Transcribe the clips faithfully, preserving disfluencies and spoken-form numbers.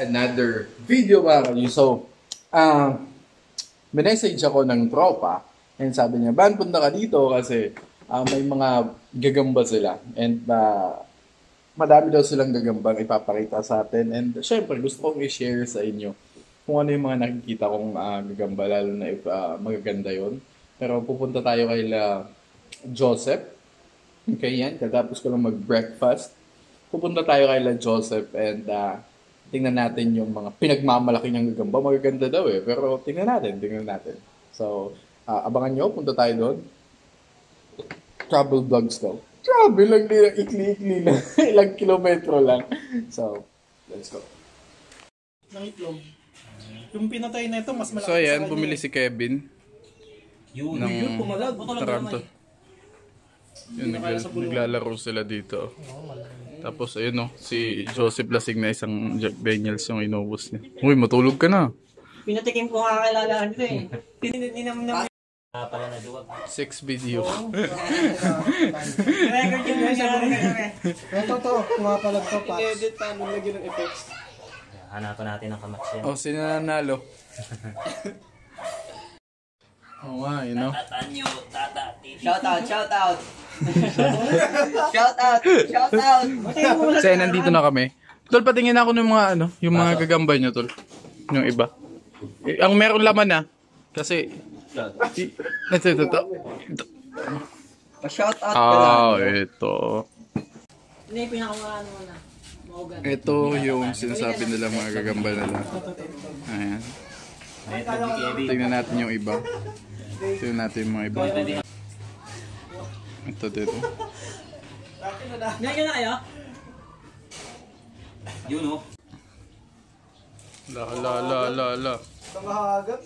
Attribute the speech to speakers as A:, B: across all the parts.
A: another video mga kanyo. So, uh, minessage ako ng tropa and sabi niya, Ban, punta ka dito kasi uh, may mga gagamba sila and uh, madami daw silang gagambang ipapakita sa atin and syempre gusto kong i-share sa inyo kung ano yung mga nakikita kong uh, gagamba lalo na if uh, magaganda yon. Pero pupunta tayo kay la Joseph. Okay, yan. Katapos ko lang mag-breakfast. Pupunta tayo kay la Joseph and uh, tingnan natin yung mga pinagmamalaki niyang gagamba. Magaganda daw eh. Pero tingnan natin, tingnan natin. So, uh, abangan nyo. Punta tayo doon. Travel vlogs daw. Travel lang nila. Ikli-ikli na. Ilang kilometro lang. So, let's go.
B: Nangitlog. Yung pinatay na ito, mas malaki.
A: So, ayan. Bumili si Kevin.
B: Yun, ng yun, pumalag.
A: Taranto. Yun, nagla naglalaro sila dito. Tapos ayun no, si Joseph lasing na isang Jack Daniels yung inubos niya. Uy, matulog ka na.
C: Pinatikim ko nga kailangan ko eh. Hindi naman naman.
D: Pala na duwag.
A: Six video.
C: Record yung nangyari.
B: Ito to, pumapalag to pa. I-edit pa, nung lagyan ng effects.
D: Hanapan natin ang kamats yan.
A: Oh, sino nanalo? Oh, wow, you know.
C: Shout out, shout out. Shout out, shout out.
A: Kasi nandito na kami. Tol, patingin ako ng mga ano, yung mga gagamba nyo, tol. Yung iba. Eh, ang meron laman na. Kasi, ito, ito, ito.
C: Shout out.
A: Ah, ito.
C: Hindi, pinakamaan mo na.
A: Ito yung sinasabi nila mga gagamba nila. Ayan. Tingnan natin yung iba. Tingnan natin yung mga iba. Ito dito.
C: Ngayon na kayo?
D: Yun o.
A: La la la la la.
B: Tangahagan.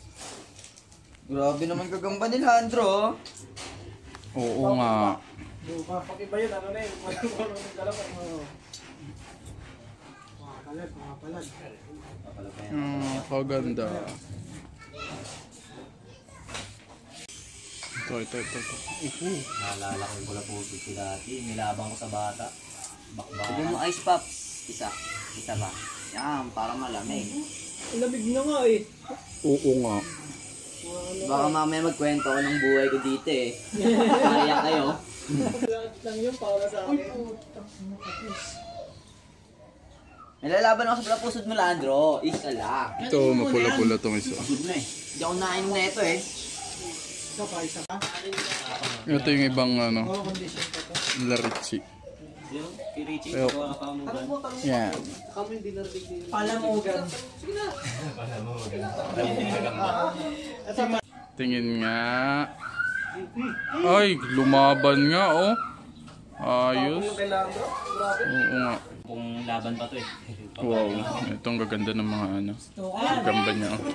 C: Grabe naman gagamba ni Leandro.
A: Oo nga.
B: Pag iba yun, ano na yun? Marunong ng dalawa. Makapalag, makapalag.
A: Hmm, kaganda. Ito, ito, ito. ito.
D: Naalala ko yung pula puso ko dati. Nilabang ko sa bata. Bakbaka.
C: Bigyan mo ice pops. Isa. Isa ba? Yan, para malamig.
B: Lamig na nga eh.
A: Oo nga.
C: Baka mamaya magkwento ko ng buhay ko dito eh. Kaya kayo.
B: Lahat lang yun para sa akin.
C: Nilalaban ako sa pula pusod mo, Leandro. Isa lang.
A: Ito, mapula-pula itong isa.
C: Good na eh. Hindi ako nainom na ito eh.
B: Isa pa, isa pa.
A: Ito yung ibang ano,
B: Oo, condition pa to.
A: larichi.
D: Yun, kay Richie.
A: Ayok.
D: Gawa ka mo
B: Tanong mo, tanong mo.
A: Yan.
B: Kami hindi narinig din.
C: Palamugan.
B: Sige na.
A: Tingin nga. Ay, lumaban nga oh. Ayos.
B: Kay Leandro, grabe.
A: Oo nga.
D: Kung laban pa to eh.
A: Wow. Itong gaganda ng mga ano. Gagamba niya oh.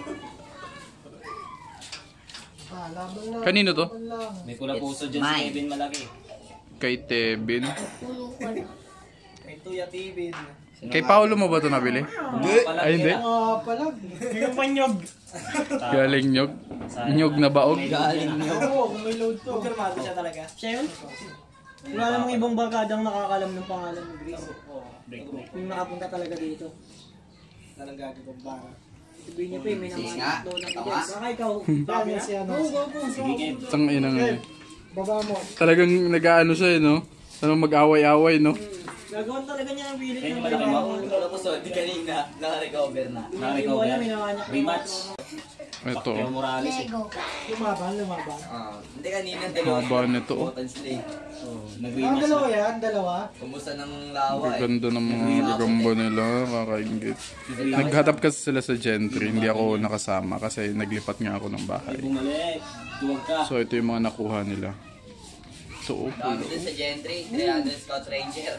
B: Ah, laban lang.
A: Kanino to?
B: Laban lang.
D: May pula puso dyan si Kevin malaki.
A: Kay Tebin.
B: Kay Tuya Tibin.
A: Kay Paolo mo ba ito nabili? Ay hindi.
B: Makapalag.
C: Yung panyog.
A: Galing nyog. Nyog na baog.
C: Galing niyo.
B: Oo, kung may load to.
C: Kumpirmado siya talaga. Siya yun? Wala namang ibang barkadang nakakalam ng pangalan ni Grace. Yung nakapunta talaga dito.
B: Talagang gagawin bara.
C: Sabihin niya pa eh, may naman doon na bigyan. Baka ikaw.
B: Dami na si ano.
C: Go, go, go.
D: Sige, Kev.
A: Tang ina nga eh.
B: Baba mo.
A: Talagang nag-aano siya eh, no? Ano mag-away-away, no?
C: Gagawin talaga niya ang pilit
D: Kaya
C: ng
D: malaki
C: mga
D: mo.
C: Wala po so, di kanina, naka-recover na.
D: Nakarecover.
C: Naka-recover. May nakanyak.
D: Rematch.
A: Ito.
D: Pacquiao Morales eh.
B: Lumaban, lumaban.
C: Ah, hindi kanina dalawa.
A: Haba nito, oh.
C: Button slate.
D: Oh,
B: Ang
D: nag-rematch
B: dalawa
D: na.
B: yan, dalawa.
C: Kumusta ng lawa eh.
A: Gaganda ng mga gagamba nila, kakaingit. Naghatap kasi sila sa Gentry, hindi ako nakasama kasi naglipat nga ako ng bahay.
D: Bumalik. Duwag ka.
A: So ito yung mga nakuha nila. So, oh,
C: Dami din sa Gentry, three hundred Scott Ranger.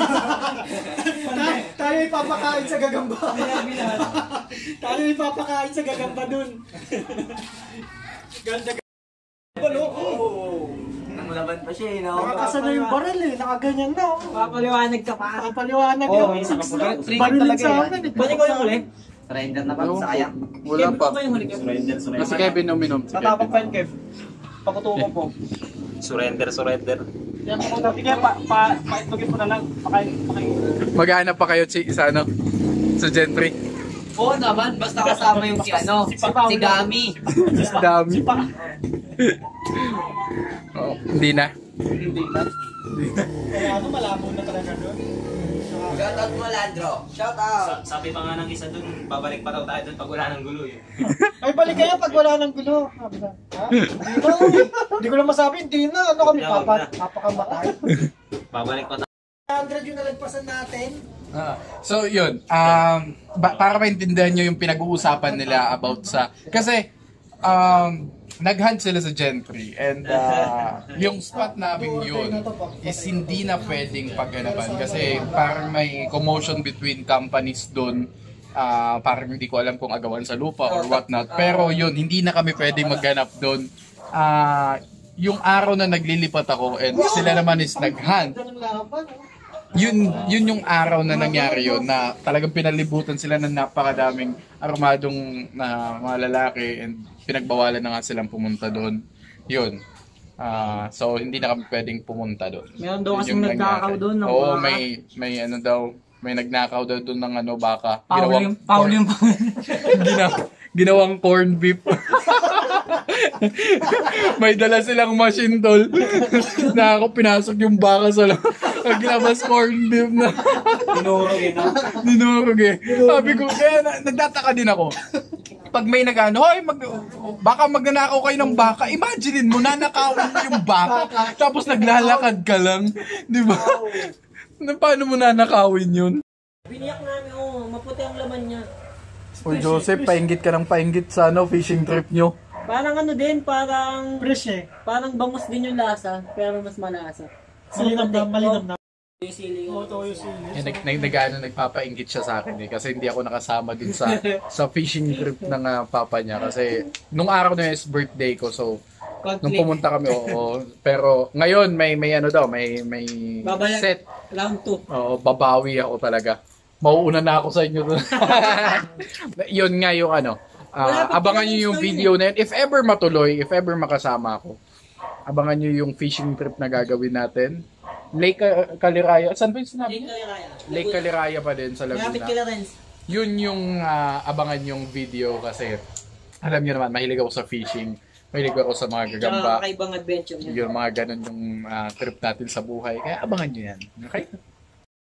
B: Ta- tayo ipapakain sa gagamba. Tayo ipapakain sa gagamba dun. Ganda gagamba, no? Oo.
C: Namulaban pa siya eh, no?
B: Nakakasa na yung baril eh. Nakaganyan na. oh.
C: Papaliwanag ka pa.
B: Nakapaliwanag yung six na. Barilin sa amin. eh.
C: Balik ko yung huli. Surrender na pa sa kaya.
A: wala pa.
C: Ba yung huli ka?
D: Surrender, surrender.
A: Kasi Kevin uminom. Si
B: Tatapag pa
A: Kevin.
B: yun, Kev. Pakutukan po.
D: Surrender, surrender.
B: Yan po kung natin kaya pa, pa, paitlogin mo na lang. Pakain, pakain.
A: Maghanap pa kayo chi- sa ano? Sa Gentry.
E: Oo naman, basta kasama yung si ano, si Gami.
A: Dami. Oh, hindi na.
E: Hindi na.
B: Kaya ano, malabo na talaga doon.
E: Shoutout mo, Landro. Shoutout.
D: Sa- Sabi pa nga ng isa dun, babalik pa daw tayo dun pag wala ng gulo eh.
B: Ay, balik kayo pag wala ng gulo. Sabi na, ha? Hindi na, uy. Hindi ko lang masabi, hindi na. Ano kami,
D: Huwag
B: papa,
D: na.
B: papakamatay.
D: Babalik pa tayo.
B: one hundred yung nalagpasan natin.
A: Ah, so yun, um, ba- para maintindihan nyo yung pinag-uusapan nila about sa, kasi um, nag-hunt sila sa Gentry and uh, yung spot namin yun is hindi na pwedeng pagganapan kasi parang may commotion between companies doon. Uh, parang hindi ko alam kung agawan sa lupa or whatnot, pero yun, hindi na kami pwedeng magganap doon. Uh, yung araw na naglilipat ako and sila naman is nag-hunt, yun yun yung araw na nangyari yun na talagang pinalibutan sila ng napakadaming armadong na mga lalaki and pinagbawalan na nga silang pumunta doon. Yun. Ah, so hindi na kami pwedeng pumunta doon.
C: Meron daw
A: Yun
C: kasing
A: yung
C: nagnakaw
A: nangyari.
C: doon ng
A: Oo,
C: baka.
A: may may ano daw, may nagnakaw daw doon ng ano baka.
C: Paul yung, Paul yung,
A: ginawa, ginawang corn beef. May dala silang machine tol. Na ako pinasok yung baka sa loob. Ang ginabas corn beef na.
D: Tinurog eh, no?
A: Dinurog eh. Sabi ko, kaya na, nagtataka din ako. Pag may nag-ano, hoy, mag, baka magnanakaw kayo ng baka. Imaginein mo, nanakawin mo yung baka. Tapos naglalakad ka lang. Di ba? Na, paano mo nanakawin yun?
C: biniyak namin, oh, maputi ang laman niya.
A: O Joseph, painggit ka ng painggit sa ano, fishing trip nyo.
C: Parang ano din, parang,
B: Fresh eh.
C: parang bangus din yung lasa, pero mas malasa.
B: Malinam na, malinam na.
C: Yung sili
B: Oo,
C: yung
B: to yung sili.
A: Eh, nag, nag, nag, ano, nagpapainggit siya sa akin eh. Kasi hindi ako nakasama din sa sa fishing trip ng ah, papa niya. Kasi nung araw na yun is birthday ko. So, nung
C: conflict.
A: pumunta kami, oo. Pero ngayon, may may ano daw, may may
C: Babalik.
A: set.
C: Round two.
A: Oo, babawi ako talaga. Mauuna na ako sa inyo doon. Yun nga yung ano. ah, abangan nyo yung video na yun. If ever matuloy, if ever makasama ako, abangan nyo yung fishing trip na gagawin natin. Lake uh, Caliraya. Saan ba yung sinabi?
C: Lake Caliraya.
A: Lake Caliraya pa din sa
C: Malapit
A: Laguna.
C: kila Renz.
A: Yun yung ah, abangan yung video kasi alam niyo naman, mahilig ako sa fishing. Mahilig ako sa mga
C: Tsaka
A: gagamba.
C: kakaibang adventure niya.
A: Yung mga ganun yung ah, trip natin sa buhay. Kaya abangan nyo yan. Okay?